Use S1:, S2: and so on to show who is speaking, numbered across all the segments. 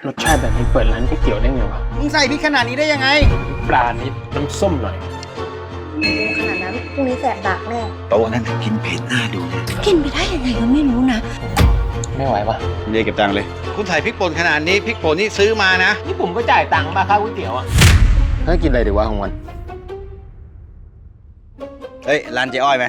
S1: รสชาติแบบนี้เปิดร้านก๋วยเตี๋ยวได้ไงวะ
S2: มึงใส่พริกขนาดนี้ได้ยังไง
S1: ปลานิดน้ำส้มหน่อย
S3: ขนาดนั้นพรุ่งนี้แสบดักแน่
S4: โต๊ะนั้นกินเผ็ดหน้าดูนะ
S3: กินไปได้ยังไงก็ไม่รู้นะ
S1: ไม่ไหวปะ
S4: เรียกเก็บตังค์เลย
S2: คุณใส่พริกป่นขนาดนี้พริกป่นนี่ซื้อมานะ
S1: นี่ผมก็จ่ายตังค์มาค่าก๋วยเตี๋ยวอ่ะ
S4: ให้กินอะไรดีวะของวันเฮ้ยร้านเจ๊อ้อยไหม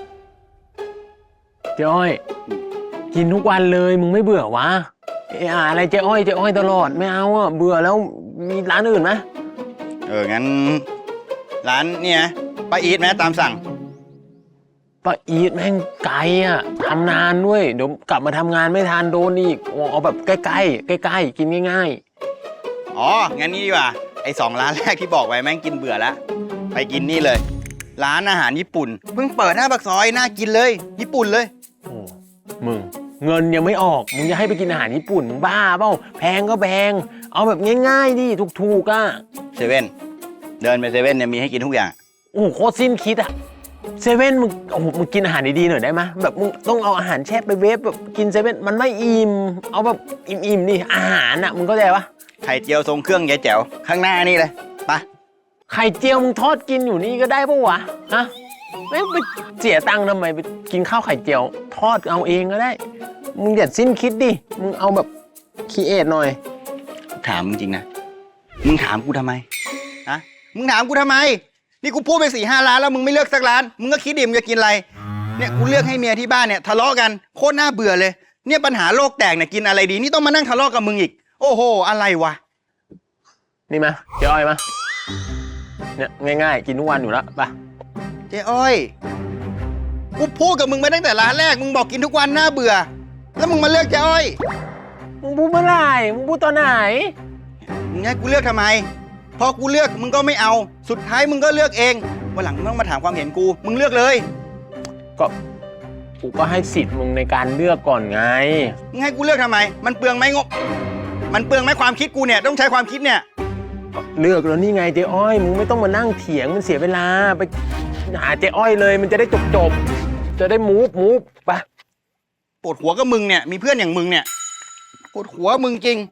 S1: เจ๊อ้อยกินทุกวันเลยมึงไม่เบื่อวะอะไรเจ๊อ้อยตลอดไม่เอาอ่ะเบื่อแล้วมีร้านอื่นไหม
S4: งั้นร้านเนี่ยป้าอีทไหมตามสั่ง
S1: ป้าอีทแม่งไกลอ่ะทำนานด้วยเดี๋ยวกลับมาทำงานไม่ทันโดนอีกเอาแบบใกล้ๆกินง่าย
S4: อ๋อ งั้นนี่ดีกว่า ไอ้2 ร้านแรกที่บอกไว้แม่งกินเบื่อแล้ว ไปกินนี่เลย ร้านอาหารญี่ปุ่น เพิ่งเปิดหน้าปากซอยน่ากินเลย ญี่ปุ่นเลย
S1: ๆโอ้มึงเงินยังไม่ออกมึงจะให้ไปกินอาหารญี่ปุ่นมึงบ้าเปล่าแพงก็แพงเอาแบบง่ายๆดิถูกๆอ่ะ
S4: เซเว่น เดินไปเซเว่นเนี่ยมีให้กินทุกอย่าง
S1: โอ้โหโคตรสิ้นคิดอ่ะเซเว่นมึงโอ้โหมึงกินอาหารดีๆหน่อยได้ไหมแบบมึงต้องเอาอาหารแช่ไปเวฟแบบกินเซเว่นมันไม่อิ่มเอาแบบอิ่มๆนี่อาหารอ่ะมึงเข้าใจปะ
S4: ไข่เจียวทรงเครื่องยายแจ๋วข้างหน้านี่เลยไป
S1: ไข่เจียวมึงทอดกินอยู่นี่ก็ได้ปะวะฮะไม่ไปเสียตังค์ทำไมไปกินข้าวไข่เจียวทอดเอาเองก็ได้มึงอย่าสิ้นคิดดิมึงเอาแบบคิดเอทหน่อย
S4: ถามจริงๆนะ มึงถามกูทำไม ฮะ มึงถามกูทำไม นี่กูพูดไป4-5 ร้านแล้วมึงไม่เลือกสักร้าน มึงก็คิดดิมึงจะกินอะไร เนี่ยกูเลือกให้เมียที่บ้านเนี่ยทะเลาะกันโคตรน่าเบื่อเลย เนี่ยปัญหาโลกแตกเนี่ยกินอะไรดี นี่ต้องมานั่งทะเลาะกับมึงอีก โอ้โห อะไรวะ
S1: นี่มาเจ๊อ้อยมาเนี่ยง่ายๆกินทุกวันอยู่แล้วไป
S4: เจ๊อ้อย กูพูดกับมึงมาตั้งแต่ร้านแรก มึงบอกกินทุกวันน่าเบื่อ แล้วมึงมาเลือกเจ๊อ้อย
S1: มึงพูดเมื่อไหร่มึงพูดตอนไหน
S4: มึงให้กูเลือกทำไม พอกูเลือกมึงก็ไม่เอา สุดท้ายมึงก็เลือกเอง วันหลังมึงต้องมาถามความเห็นกู มึงเลือกเลย
S1: ก็กูก็ให้สิทธิ์มึงในการเลือกก่อนไง
S4: มึงให้กูเลือกทำไม มันเปลืองไหมงบ มันเปลืองไหมความคิดกูเนี่ยต้องใช้ความคิดเนี่ย
S1: เลือกแล้วนี่ไงเจ๊อ้อยมึงไม่ต้องมานั่งเถียงมันเสียเวลาไปหาเจ๊อ้อยเลยมันจะได้จบจะได้มูฟไป
S4: ปวดหัวกับมึงเนี่ย มีเพื่อนอย่างมึงเนี่ย ปวดหัวมึงจริง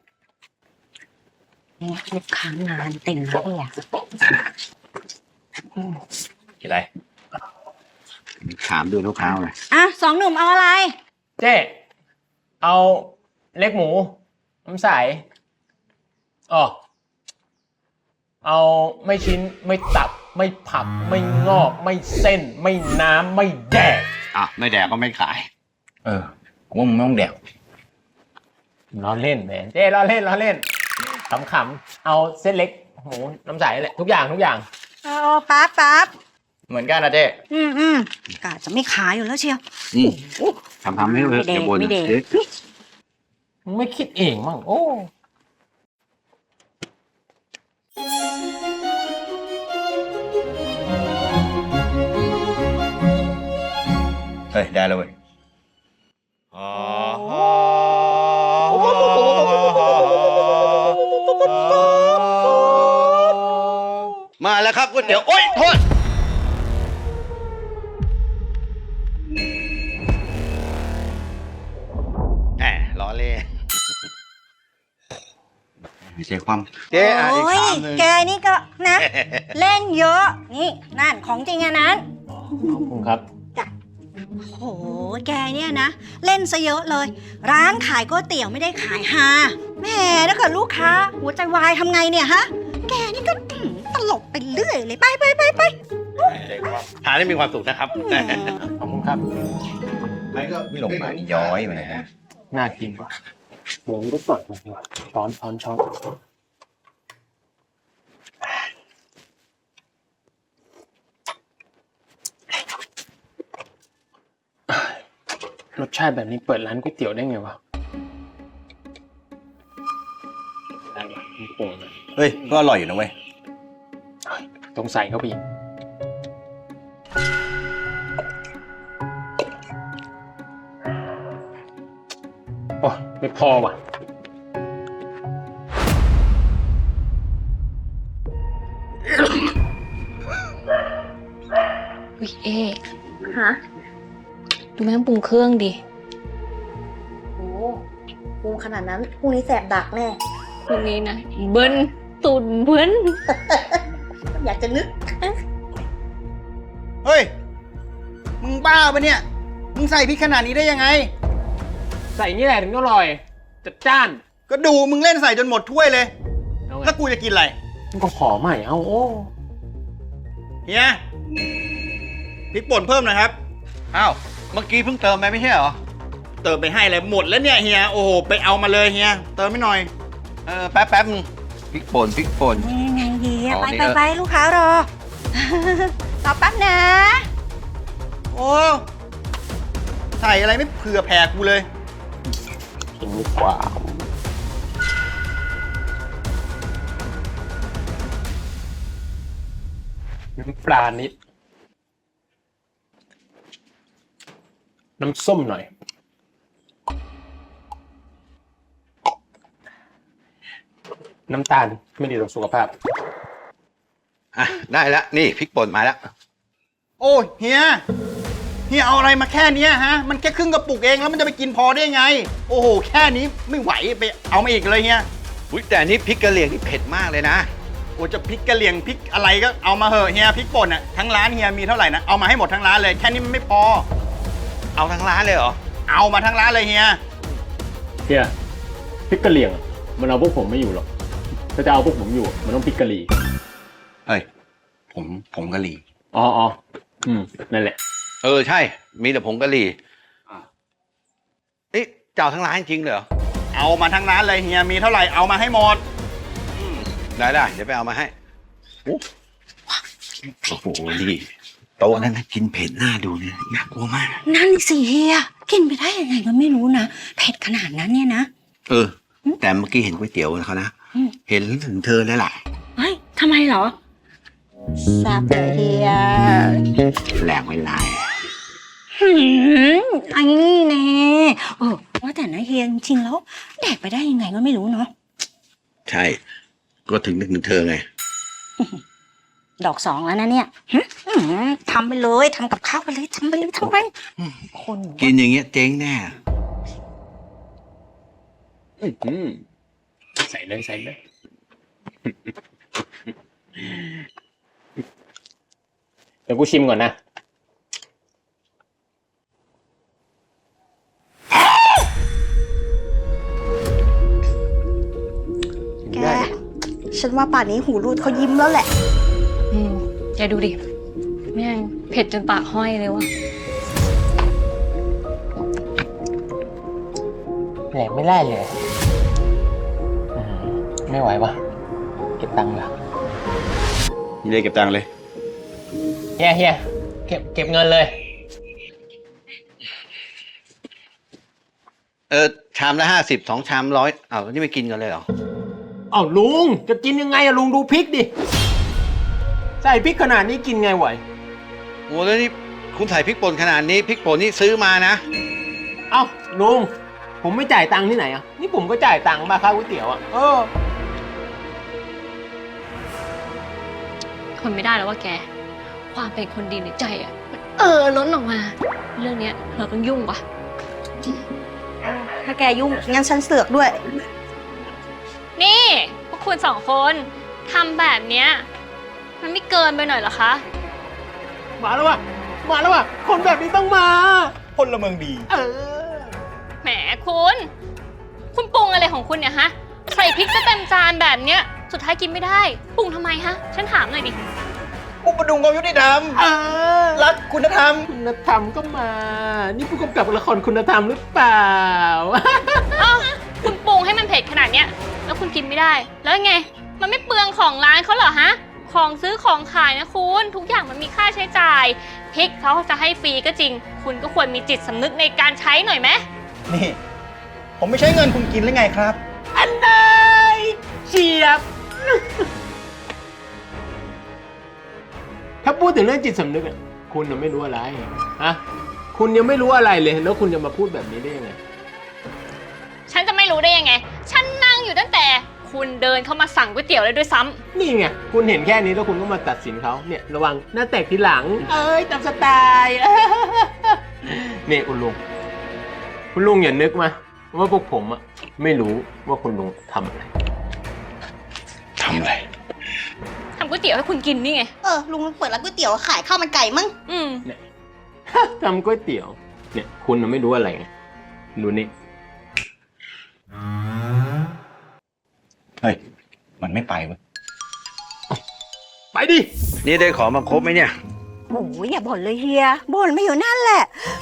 S3: ลูกค้างานเต็มแล้วเนี่ย
S4: กินอะไร ถามดูลูกค้าเลย
S3: อ่ะ2 หนุ่มเอาอะไร
S1: เจ๊เอาเล็กหมูน้ำใสอ๋อเอาไม่ชิ้นไม่ตับไม่ผักไม่งอกไม่เส้นไม่น้ำไม่แดก
S4: ไม่แดกก็ไม่ขาย ว่ามึงไม่ต้องแดก
S1: ล้อเล่นแหมเจ๊ล้อเล่นขำๆเอาเส้นเล็กหมูน้ำใสแหละทุกอย่าง
S3: เอาปั๊บ
S4: เหมือนกันนะเจ๊
S3: กะจะไม่ขายอยู่แล้วเชียว
S4: ทำให้เลย
S3: ไม่เด็ก
S1: มึงไม่คิดเองมั่งโอ้
S4: เฮ้ย ได้แล้วเว้ยมาแล้วครับก๋วยเตี๋ยว โอ๊ย โทษ แหมล้อเล่นไม่ใช่ความเจ๊อ่ะอีก
S3: โอ้ย
S4: คำหนึ่ง
S3: แกนี่ก็นะ เล่นเยอะ นี่นั่นของจริงอะนั้น
S1: ขอบคุณครับ
S3: โห แกเนี่ยนะ เล่นซะเยอะเลย ร้านขายก๋วยเตี๋ยวไม่ได้ขายฮาแหมถ้าเกิดลูกค้า หัวใจวายทำไงเนี่ยฮะ แกนี่ก็ตลกไปเรื่อยเลย ไป
S2: ทานได้มีความสุขนะครับ
S1: ขอบคุณครับ
S4: ไม่หลงมาย้อยมาเลยนะ
S1: น่ากินกว่าหมูก็สดมาดีกว่าช้อนรสชาติแบบนี้เปิดร้านก๋วยเตี๋ยวได้ไงวะได้ปะไม่โกงนะ
S4: เฮ้ย ก็อร่อยอยู่นะเว้ย
S1: ต้องใส่เข้าไปอีกโอ้ไม่พอว่ะ
S5: วิเอ๊ฮะ ดูแม่งปรุงเครื่องดิ
S3: โอ้ปรุงขนาดนั้นพรุ่งนี้แสบดักแน่
S5: คนนี้นะเบิ้ลตุนเบิ้ล
S3: อยากจะนึก
S4: เฮ้ย มึงบ้าปะเนี่ย มึงใส่พริกขนาดนี้ได้ยังไง
S1: ใส่นี่แหละถึงอร่อย จัดจ้าน
S4: ก็ดูมึงเล่นใส่จนหมดถ้วยเลย
S1: เอาไง
S4: แล้วกูจะกินอะไร
S1: มันก็ขอใหม่เอาโอ้
S4: เฮียพริกป่นเพิ่มหน่อยครับ
S2: อ้าว เมื่อกี้เพิ่งเติมไปไม่ใช่เหรอ
S4: เติมไปให้เลยหมดแล้วเนี่ยเฮีย โอ้โห ไปเอามาเลยเฮีย เติมไม่หน่อย
S2: แป๊บมึงพริกป่นพริกป่น
S3: นี่ไงเฮีย
S2: อ๋อ
S3: ไป
S2: นี่
S3: ไปไปลูกค้ารอ รอแป๊บนะ
S4: โอ้ ใส่อะไรไม่เผื่อแผ่กูเลย
S1: กินดีกว่าน้ำปลานิด น้ำส้มหน่อย น้ำตาลไม่ดีต่อสุขภาพ
S2: อ่ะ ได้แล้ว นี่พริกป่นมาแล้ว
S4: โอ้ยเฮียเอาอะไรมาแค่เนี้ยฮะ มันแค่ครึ่งกระปุกเองแล้วมันจะไปกินพอได้ไง โอ้โห แค่นี้ไม่ไหวไปเอามาอีกเลยเฮีย
S2: อุ๊ยแต่อันนี้พริกกะเหรี่ยงนี่เผ็ดมากเลยนะ
S4: โอ้จะพริกกะเหรี่ยงพริกอะไรก็เอามาเหอะเฮียพริกป่นอ่ะทั้งร้านเฮียมีเท่าไหร่นะเอามาให้หมดทั้งร้านเลยแค่นี้มันไม่พอ
S2: เอาทั้งร้านเลยเหรอ
S4: เอามาทั้งร้านเลยเฮีย
S1: เฮียพริกกะเหรี่ยงอะมันเอาพวกผมไม่อยู่หรอก ถ้าจะเอาพวกผมอยู่ มันต้องพริกกะหรี่
S4: เฮ้ยผมกะหรี่
S1: อ๋อนั่นแหละ
S2: ใช่ มีแต่ผงกะหรี่เอ๊ะเจ้าทั้งร้านจริงเหรอ
S4: เอามาทั้งร้านเลยเฮียมีเท่าไหร่เอามาให้หมด
S2: ได้เดี๋ยวไปเอามาให้โอ้โหนี่โต๊ะนั้นนะกินเผ็ดหน้าดูเนี่ยน่ากลัวมาก
S3: นั่นสิเฮีย กินไปได้ยังไงก็ไม่รู้นะ เผ็ดขนาดนั้นเนี่ยนะ
S2: แต่เมื่อกี้เห็นก๋วยเตี๋ยวเขานะ
S3: อืม
S2: เห็นถึงเธอแล้วล่ะ
S3: เฮ้ยทำไมเหรอทราบเลยเฮีย
S2: แรงไม่ลาย
S3: อันนี้แน่ว่าแต่นะเฮียจริงๆแล้วแดกไปได้ยังไงก็ไม่รู้เนาะ
S2: ใช่ ก็ถึงนึกถึงเธอไง
S3: ดอกสองแล้วนะเนี่ยทำไปเลยทำกับข้าวไปเลยทำไปคน
S2: กินอย่างเงี้ยเจ๊งแน่
S1: ใส่เลย เดี๋ยวกูชิมก่อนนะ
S3: แกฉันว่าป่านนี้หูรูดเขายิ้มแล้วแหละ
S5: แกดูดิ แม่งเผ็ดจนปากห้อยเลยว่ะ
S1: แหลกไม่ได้เลยไม่ไหววะเก็บตังค์ละ
S4: นี่เลยเก็บตังค์เลย
S1: เฮียเก็บเงินเลย
S2: ชามละ50 2 ชาม100อ้าวนี่ไม่กินกันเลยเหรอ
S1: อ้าวลุงจะกินยังไงอะลุงดูพริกดิ ใส่พริกขนาดนี้กินไงไหว
S2: โอ้แล้วนี่คุณใส่พริกป่นขนาดนี้พริกป่นนี่ซื้อมานะ
S1: เอ้าลุงผมไม่จ่ายตังค์ที่ไหนอ่ะนี่ผมก็จ่ายตังค์มาค่าก๋วยเตี๋ยวอ่ะ
S5: คนไม่ได้แล้วว่าแก ความเป็นคนดีในใจอ่ะมันล้นออกมา เรื่องเนี้ยเราต้องยุ่งว่ะ
S3: ถ้าแกยุ่งงั้นฉันเสือกด้วย
S5: นี่พวกคุณสองคนทำแบบเนี้ยมันไม่เกินไปหน่อยเหรอคะ
S1: มาแล้วว่ะคนแบบนี้ต้องมา
S4: พลเมืองดี
S5: แหมคุณปรุงอะไรของคุณเนี่ยฮะ ใส่พริกจะเต็มจานแบบเนี้ย สุดท้ายกินไม่ได้ ปรุงทำไมฮะ ฉันถามหน่อยดิ
S4: อุปดุงความยุติธรรมรักคุณธรรม
S1: คุณธรรมก็มา นี่ผู้กำกับละครคุณธรรมหรือเปล่า
S5: อ้าวคุณปรุงให้มันเผ็ดขนาดเนี้ย แล้วคุณกินไม่ได้ แล้วไง มันไม่เปลืองของร้านเขาเหรอฮะ ของซื้อของขายนะคุณ ทุกอย่างมันมีค่าใช้จ่าย พริกเขาจะให้ฟรีก็จริง คุณก็ควรมีจิตสำนึกในการใช้หน่อยไหม
S4: นี่ ผมไม่ใช้เงินคุณกินหรือไงครับ
S1: อันใดเฉียบ ถ้าพูดถึงเรื่องจิตสำนึกอะคุณยังไม่รู้อะไรฮะคุณยังไม่รู้อะไรเลยแล้วคุณจะมาพูดแบบนี้ได้ยังไง
S5: ฉันจะไม่รู้ได้ยังไง ฉันนั่งอยู่ตั้งแต่คุณเดินเข้ามาสั่งก๋วยเตี๋ยวเลยด้วยซ้ำ
S1: นี่ไงคุณเห็นแค่นี้แล้วคุณก็มาตัดสินเขาเนี่ยระวังหน้าแตกทีหลัง ตามสไตล์ นี่คุณลุงอย่านึกมาว่าพวกผมอะไม่รู้ว่าคุณลุงทำอะไร
S5: ก๋วยเตี๋ยวให้คุณกินนี่ไง
S3: ลุงเปิดร้านก๋วยเตี๋ยวขายข้าวมันไก่มั้ง
S5: อืม
S1: ทำก๋วยเตี๋ยว เนี่ยคุณน่ะไม่รู้อะไรไงดูนี่
S2: เฮ้ย มันไม่ไปเว้ย
S1: ไปดิ
S2: นี่ได้ของมาครบไหมเนี่ย
S3: โอ้ยอย่าบ่นเลยเฮียบ่นไม่อยู่นั่นแหละ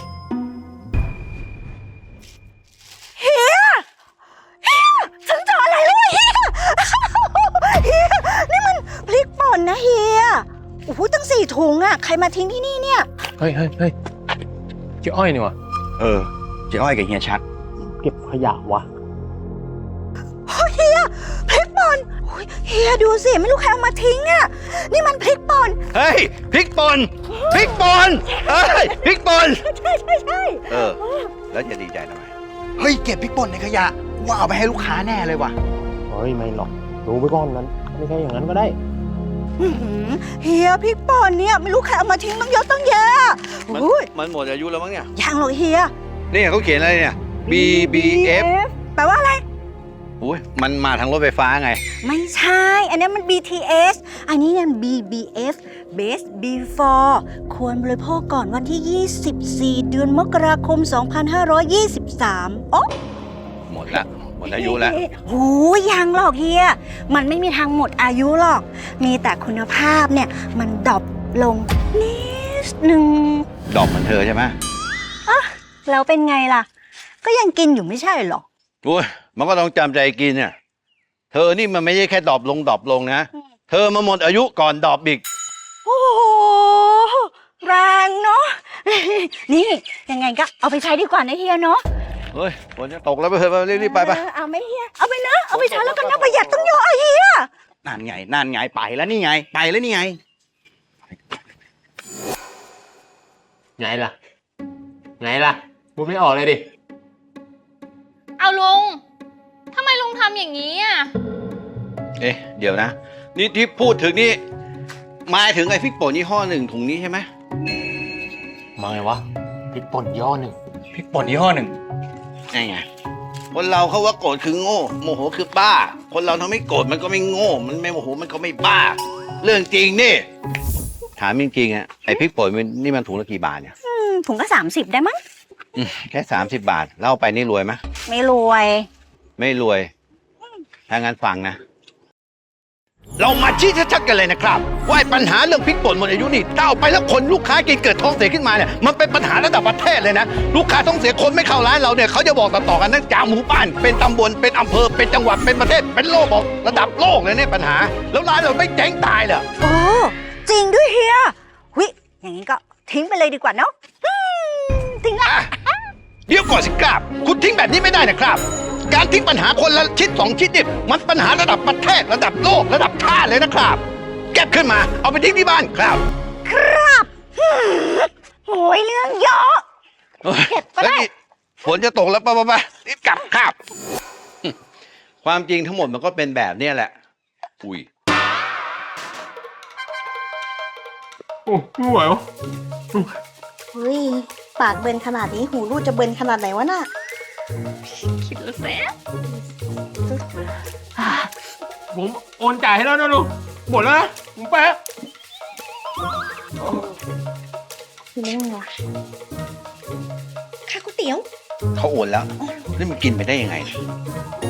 S3: เฮียฉันเจออะไรรู้ไหมเฮีย เฮีย นี่มันพริกป่นนะเฮีย โอ้โหตั้ง4 ถุงอะใครมาทิ้งที่นี่เนี่ย
S1: เฮ้ยเจ้าอ้อยนี่วะ
S2: เออเจ๊อ้อยกับเฮียชัด
S1: เก็บขยะวะ
S3: เฮียพริกป่นโอ้ยเฮียดูสิไม่รู้ใครเอามาทิ้งอะนี่มันพริกป่น
S2: เฮ้ยพริกป่นพริกป่นเฮ้ยพริกป่น
S3: ใช่
S2: เออ แล้วจะดีใจทำไม
S4: เฮ้ย เก็บพริกป่นในขยะว่าเอาไปให้ลูกค้าแน่เลยว่ะ
S1: เฮ้ยไม่หรอกรู้ไปก่อนนั้นไม่ใช่อย่างนั้นก็ได้
S3: อื้อหือเฮียพริกป่นเนี่ยไม่รู้ใครเอามาทิ้งตั้งเยอะตั้งแยะ
S2: มัน
S3: อุ้ย
S2: มันหมดอายุแล้วมั้งเนี่ย
S3: ยังหรอกเฮีย
S2: นี่เขาเขียนอะไรเนี่ย BBF
S3: แปลว่าอะไร
S2: อุ้ยมันมาทางรถไฟฟ้าไง
S3: ไม่ใช่ อันนี้มัน BTS อันนี้เนี่ย BBF Best Before ควรบริโภคก่อนวันที่ 24 เดือนมกราคม 2523 โอ้
S2: หมดละหมดอายุแล้ว
S3: โหยังหรอกเฮีย มันไม่มีทางหมดอายุหรอก มีแต่คุณภาพเนี่ย มันดรอปลงนิดนึง
S2: ดอกเหมือนเธอใช่ไหม
S3: แล้วเป็นไงล่ะ ก็ยังกินอยู่ไม่ใช่หรอ
S2: โอ้ยมันก็ต้องจำใจกินเนี่ย เธอนี่มันไม่ใช่แค่ดรอปลงนะ เธอมาหมดอายุก่อนดรอปอีก
S3: โอ้โหแรงเนาะ นี่ยังไงก็เอาไปใช้ดีกว่านะเฮียเนาะ
S2: เฮ้ยฝนจะตกแล้วไปเถอะรีบๆไป
S3: เอาไหมเฮีย เอาไปนะ เอาไปใช้แล้วกันนะประหยัดต้องเยอะอะเฮีย
S4: นั่นไงไปแล้วนี่ไง ไปแล้วนี่ไง
S1: ไงล่ะพูดไม่ออกเลยดิ
S5: เอาลุงทำไมลุงทำอย่างนี้อ่ะ
S2: เอ๊ะ เดี๋ยวนะ นี่ที่พูดถึงนี่หมายถึงไอ้พริกป่นยี่ห้อหนึ่งถุงนี้ใช่ไหม
S1: มาไงวะพริกป่นย่อหนึ่ง
S4: พริกป่นยี่ห้อหนึ่ง
S2: ไงคนเราเขาว่าโกรธคือโง่ โมโหคือบ้า คนเราทำไม่โกรธมันก็ไม่โง่ มันไม่โมโหมันก็ไม่บ้า เรื่องจริงนี่ ถามจริงๆอะไอ้พริกป่นนี่มันถุงละกี่บาทเนี่ย
S3: ถุงก็30ได้มั้ง
S2: แค่30 บาทเล่าไปนี่รวยไหม
S3: ไม่รวย
S2: ไม่รวย ถ้างั้นฟังนะ เรามาชี้ชัดๆกันเลยนะครับ ว่าปัญหาเรื่องพริกป่นหมดอายุนี่ถ้าเอาไปแล้วคนลูกค้ากินเกิดท้องเสียขึ้นมาเนี่ยมันเป็นปัญหาระดับประเทศเลยนะ ลูกค้าท้องเสียคนไม่เข้าร้านเราเนี่ยเขาจะบอกต่อๆกันทั้งจากหมู่บ้านเป็นตำบลเป็นอำเภอเป็นจังหวัดเป็นประเทศเป็นโลกบอกระดับโลกเลยเนี่ยปัญหา แล้วร้านเราไม่เจ๊งตายเหรอ
S3: โอ้จริงด้วยเฮียหุยอย่างนี้ก็ทิ้งไปเลยดีกว่าเนาะทิ้งละ
S2: อ่ะเดี๋ยวก่อนสิครับ คุณทิ้งแบบนี้ไม่ได้นะครับ การทิ้งปัญหาคนละชิ้น2 ชิ้นนี่มันปัญหาระดับประเทศระดับโลกระดับชาติเลยนะครับ เก็บขึ้นมาเอาไปทิ้งที่บ้านครับ
S3: ครับโอ้ยเรื่องเยอะ เก็บก็ได้
S2: แล้วนี่ฝนจะตกแล้วไปรีบกลับครับ ความจริงทั้งหมดมันก็เป็นแบบเนี้ยแหละ อุ้ย
S1: โอ้ไม่ไหววะ
S3: เฮ้ยปากเบินขนาดนี้หูรูดจะเบินขนาดไหนวะน่ะ
S5: คิดแล้วแซ่
S1: ผมโอนจ่ายให้แล้วนะลุงหมดแล้วนะผมไปแล้ว
S3: คือไม่ไงค่าก๋วยเตี๋ยว
S2: เขาโอนแล้ว นี่มันกินไปได้ยังไงเนี่ย